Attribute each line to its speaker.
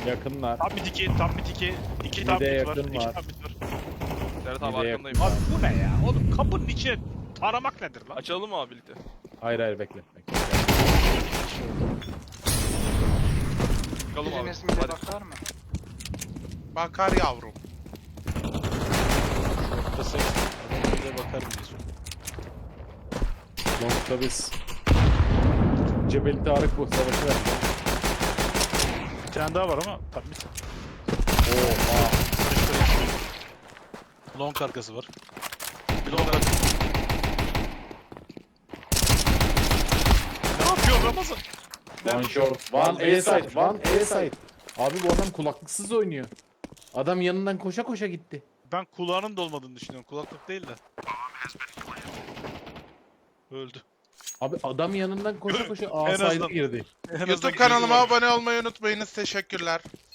Speaker 1: Yakınlar.
Speaker 2: Tam bir tiki, tam bir tiki. İki tam
Speaker 1: Bir de
Speaker 2: bit var.
Speaker 1: yakın
Speaker 2: İki
Speaker 1: var.
Speaker 2: tam bit var.
Speaker 3: Serhat
Speaker 1: Bir
Speaker 3: abi
Speaker 1: de
Speaker 3: arkandayım.
Speaker 2: Abi bu ne ya? Oğlum kapının içine taramak nedir lan?
Speaker 3: Açalım mı abi birlikte?
Speaker 1: Hayır bekle.
Speaker 3: Çıkalım abi.
Speaker 4: Biriniz mide
Speaker 3: Hadi.
Speaker 4: bakar mı?
Speaker 5: Bakar yavrum.
Speaker 2: Şortta seks. Adam bir de bakarım diyorsun.
Speaker 1: Long'da biz. Cebeli Tarık bu savaşı verdi.
Speaker 2: Bir tane daha var ama tam bit.
Speaker 1: Oha.
Speaker 2: Long arkası var.
Speaker 3: Bir de onlar.
Speaker 2: Ne yapıyor Ramazan?
Speaker 1: One short. One A side. One A side. Abi bu adam kulaklıksız oynuyor. Adam yanından koşa koşa gitti.
Speaker 2: Ben kulağının da olmadığını düşünüyorum. Kulaklık değil de. Öldü.
Speaker 1: Abi adam yanından koşa koşa A
Speaker 2: En azından-
Speaker 1: side'a girdi.
Speaker 2: En azından
Speaker 5: YouTube
Speaker 2: gözü
Speaker 5: kanalıma
Speaker 2: var.
Speaker 5: abone olmayı unutmayınız. Teşekkürler.